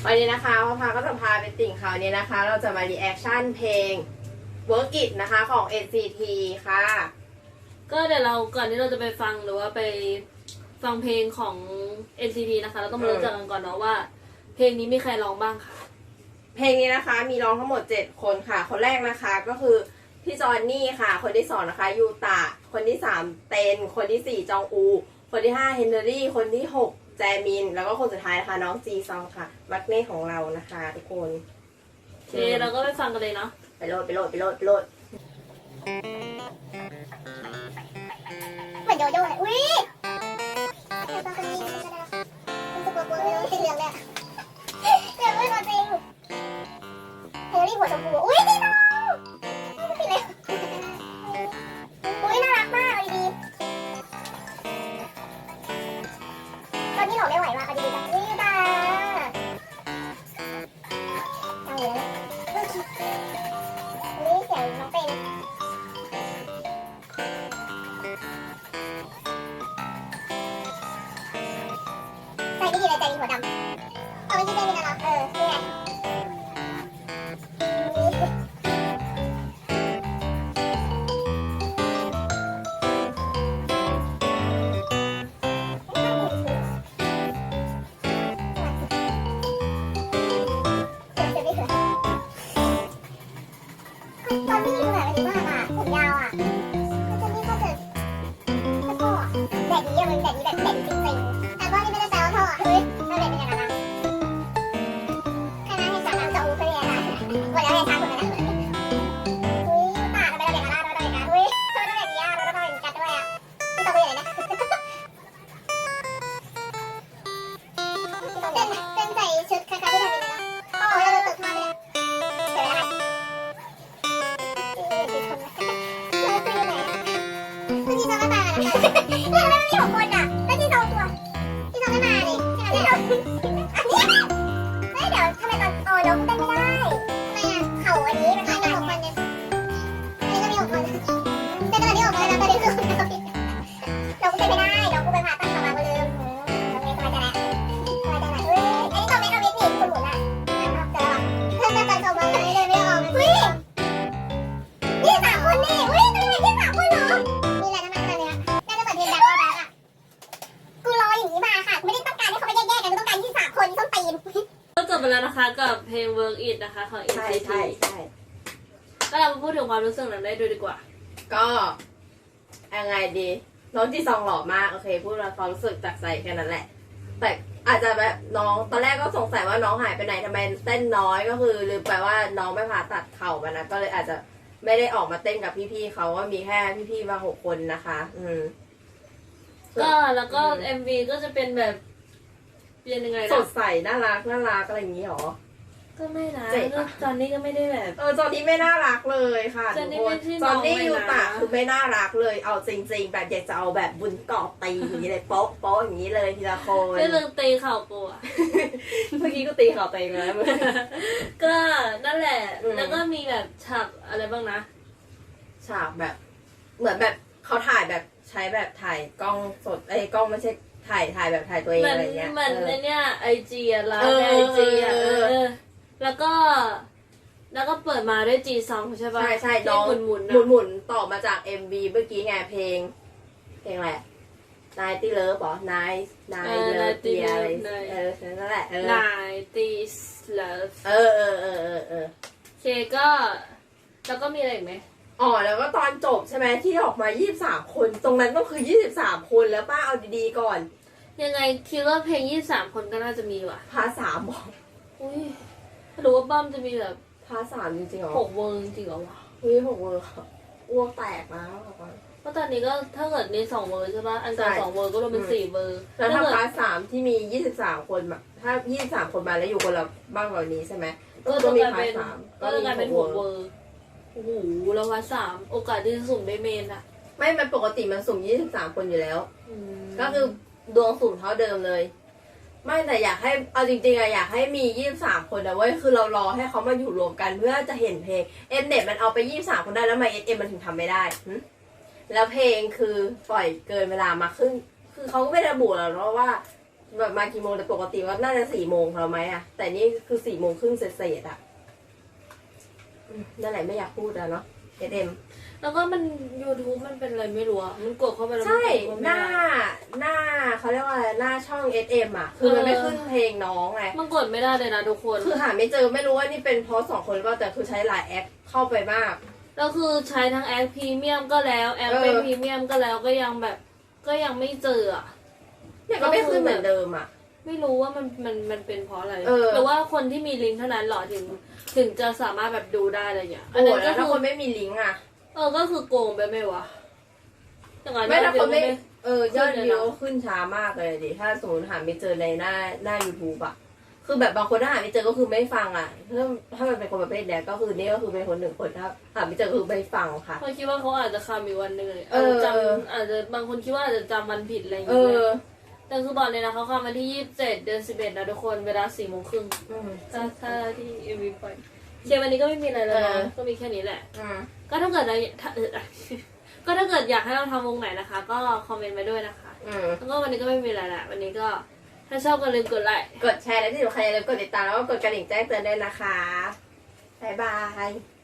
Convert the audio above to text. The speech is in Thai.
วันนี้นะคะพ่อพาก็จะพาไปติ่งข่าวนี้นะคะ เราจะมารีแอคชั่นเพลง Work It นะคะของ NCT ค่ะก็เดี๋ยวเราก่อนที่เราจะไปฟังหรือว่าไปฟังเพลงของ NCT นะคะเราต้องมารู้จักกันก่อนเนาะว่าเพลงนี้มีใครร้องบ้างค่ะเพลงนี้นะคะมีร้องทั้งหมด7คนค่ะคนแรกนะคะก็คือพี่จอนนี่ค่ะคนที่2นะคะยูตะคนที่3เตนคนที่4จองอูคนที่5เฮนเดอรี่คนที่6แจมินแล้วก็คนสุดท้ายนะคะน้องจีซองค่ะมักเน่ของเรานะคะทุกคนโอเคเราก็ไปฟังกันเลยเนาะไปโหลดเหมือนโยโย่เลยอุ้ยแต่ตอนนี้มันจะได้รู้สึกกลัวๆไม่รู้สีเหลืองเลยเหลืองไม่พอจริงเฮลลี่หัวชมพูอุ้ยดีน้องไม่ผิดเลยอุ้ยน่ารักมากเอาดีๆตอนนี้หล่อไม่ไหวว่ะเอาดีๆจ้ะอุ้ยตาเอาเลยอุ้ยเสียงน้องเป็นใจไม่ดีเลยใจดีหัวดำเอาไม่ใช่ใจดีนะเนาะนี่ไงตอนที่ดูแบบดีมากอ่ะผมยาวอ่ะมันจะนี่ก็จะพ่อแดดดีอะมึงแดดดีแบบแดดดีจริงๆแต่พ่อนี่ไม่ได้แซวพ่อเฮ้ยเราแดดเป็นยังไงนะคณะให้สามน้ำจะอู้ไปเลยนะวันแล้วให้ช้างคนนั้นอุ้ยตาทำไมเราเด็กกันล่ะเราเด็กกันอุ้ยทำไมเราเด็กดีอ่ะเราต้องเด็กกันด้วยอ่ะไม่ต้องไปไหนนะเต้นใส่ชุดคล้ายๆที่ทำเป็นนะโอ้ยเราตึกมาเลยเดี๋ยวนะคะที่ซองไม่มาแล้วทำไมมันมี6 คนอ่ะแล้วที่ซองตัวที่ซองไม่มาเลยที่ซองอันนี้ไม่เดี๋ยวทำไมตอนโอ้น้องเต้นไม่ได้ทำไมอ่ะเข่าอันนี้มันมี6 คนเนี่ยอันนี้ก็มี6 คนเต้นตอนนี้6 คนแล้วตอนนี้คือน้องเต้นไม่ได้น้องกูไปผ่าตัดขามากูลืมน้องเมย์สบายใจแล้วสบายใจแล้วอันนี้ตอนเมย์เอาเมย์หนีคุณหมุนอ่ะเจอแล้วเพื่อนตอนส่งมาเลยเลยไม่ออกอุ้ย23 คนนี่อุ้ยตัวนี้23 คนเหรอมีอะไรทำไมเนี่ยน่าจะเปิดเพลงแบ็คแบ็คอ่ะกูรออย่างนี้มาค่ะไม่ได้ต้องการให้เขาไปแยกๆกันกูต้องการ23 คนส้นตีนก็จบไปแล้วนะคะกับเพลง Work It นะคะของ NCT ก็เรามาพูดถึงความรู้สึกนั้นได้ดูดีกว่าก็ยังไงดีน้องจีซองหล่อมากโอเคพูดแล้วความรู้สึกจากใจแค่นั้นแหละแต่อาจจะแบบน้องตอนแรกก็สงสัยว่าน้องหายไปไหนทำไมเต้นน้อยก็คือลืมไปว่าน้องไม่ผ่าตัดเข่ามานะก็เลยอาจจะไม่ได้ออกมาเต้นกับพี่ๆเขาว่ามีแค่พี่ๆมา6 คนนะคะก็แล้วก็ MV ก็จะเป็นแบบเป็นยังไงนะสดใสน่ารักอะไรอย่างนี้หรอก็ไม่นะจอนนี่ก็ไม่ได้แบบจอนนี่ไม่น่ารักเลยค่ะทุกคนจอนนี่ยูตะคือไม่น่ารักเลยเอาจริงๆแบบอยากจะเอาแบบบุญเกาะตีอย่างนี้เลยโป๊ะอย่างนี้เลยทีละคนไม่ลืมตีเข่ากูอ่ะเมื่อกี้ก็ตีเข่าตัวเองแล้วก็นั่นแหละแล้วก็มีแบบฉากอะไรบ้างนะฉากแบบเหมือนแบบเขาถ่ายแบบใช้แบบถ่ายกล้องสดกล้องไม่ใช่ถ่ายแบบถ่ายตัวเองอะไรเงี้ยเหมือนในเนี้ยIGอ่ะร้านIGอ่ะแล้วก็เปิดมาด้วยG Songใช่ป่ะใช่น้องหมุนต่อมาจาก MV เมื่อกี้ไงเพลงแหละนายตีเลิฟหรอนายเลิฟเตียอะไรนั่นแหละนายตีเลิฟโอเคก็แล้วก็มีอะไรอีกไหมแล้วก็ตอนจบใช่ไหมที่ออกมา23 คนตรงนั้นก็คือ23 คนแล้วป้าเอาดีๆก่อนยังไงคิดว่าเพลง23 คนก็น่าจะมีว่ะพาร์ท 3บอกอุ้ยรู้ว่าบ้ามจะมีแบบพาร์ท 3จริงๆหรอ 6 เวอร์จริงเหรอวะ 6 เวอร์อ้วกแตกแล้วเพราะตอนนี้ก็ถ้าเกิดใน2 เวอร์ใช่ป่ะอันก่อน2 เวอร์ก็รวมเป็น4 เวอร์แล้วถ้าพาร์ท 3ที่มี23 คนถ้า23 คนมาแล้วอยู่คนละบ้างเหล่านี้ใช่ไหมก็จะมีพาร์ท 3ก็จะกลายเป็น6 เวอร์โอ้โหแล้วพาร์ท 3โอกาสที่จะสุ่มได้เมนอะไม่มันปกติมันสุ่ม23 คนอยู่แล้วก็คือดวงสุ่มเท่าเดิมเลยไม่แต่อยากให้เอาจริงๆอะอยากให้มี23 คนนะเว้ยคือเรารอให้เขามาอยู่รวมกันเพื่อจะเห็นเพลงเน็ตมันเอาไป23 คนได้แล้วทำไมมันถึงทำไม่ได้แล้วเพลงคือปล่อยเกินเวลามาครึ่งคือเขาก็ไม่ระบุหรอกว่าแบบมากี่โมงแต่ปกติว่าน่าจะ4 โมงแล้วไหมอะแต่นี่คือ4 โมงครึ่งเศษๆอะนั่นแหละไม่อยากพูดอะเนาะเอ็มแล้วก็มัน YouTube มันเป็นอะไรไม่รู้อะมันกดเข้าไปแล้วใช่มันหน้าเขาเรียกว่าอะไรหน้าช่อง SM อะคือมันไม่ขึ้นเพลงน้องไงมันกดไม่ได้เลยนะทุกคนคือหาไม่เจอไม่รู้ว่านี่เป็นเพราะ2 คนหรือเปล่าแต่คือใช้หลายแอปเข้าไปมากแล้วคือใช้ทั้งแอปพรีเมียมก็แล้วแอปเป็นพรีเมียมก็แล้วก็ยังแบบก็ยังไม่เจออะเนี่ยก็ไม่ขึ้นเหมือนเดิมอะไม่รู้ว่ามันเป็นเพราะอะไรเออหรือว่าคนที่มีลิงก์เท่านั้นเหรอถึงจะสามารถแบบดูได้อะไรอย่างเงี้ยโอ้โหก็แล้วคืถ้าอคนไม่มีลิงก์อะก็คือโกงไปไหมวะอย่างนั้นไม่ถ้าคนไม่เดี๋ยวยอดวิวขึ้นช้ามากเลยดิถ้าสมมติหาไม่เจอในหน้า YouTube อะคือแบบบางคนถ้าหาไม่เจอก็คือไม่ฟังอะถ้ามันเป็นคนประเภทเนี้ยก็คือนี่ก็คือเป็นคน1 คนถ้าหาไม่เจอคือไม่ฟังค่ะเขาคิดว่าเขาอาจจะคำอีกวันหนึ่งเลยเอออาจจะบางคนคิดว่าอาจจะจำวันผิดอะไรอย่างเอเงี้อยแต่คือบอกเลยนะเขาคำวันที่27 เดือน 11นะทุกคนเวลา4 โมงครึ่ง ถ้าที่เอ็มวีปล่อยเดี๋ยววันนี้ก็ไม่มีอะไรแล้วนะก็มีแค่นี้แหละ ก็ถ้าเกิดอะไรก็ถ้าเกิดอยากให้เราทำวงไหนนะคะ ก็คอมเมนต์มาด้วยนะคะแล้วก็วันนี้ก็ไม่มีอะไรแหละวันนี้ก็ถ้าชอบก็ลืมกดไลค์กดแชร์และที่สำคัญอย่าลืมกดติดตามแล้วก็กดกระดิ่งแจ้งเตือนด้วยนะคะบ๊ายบาย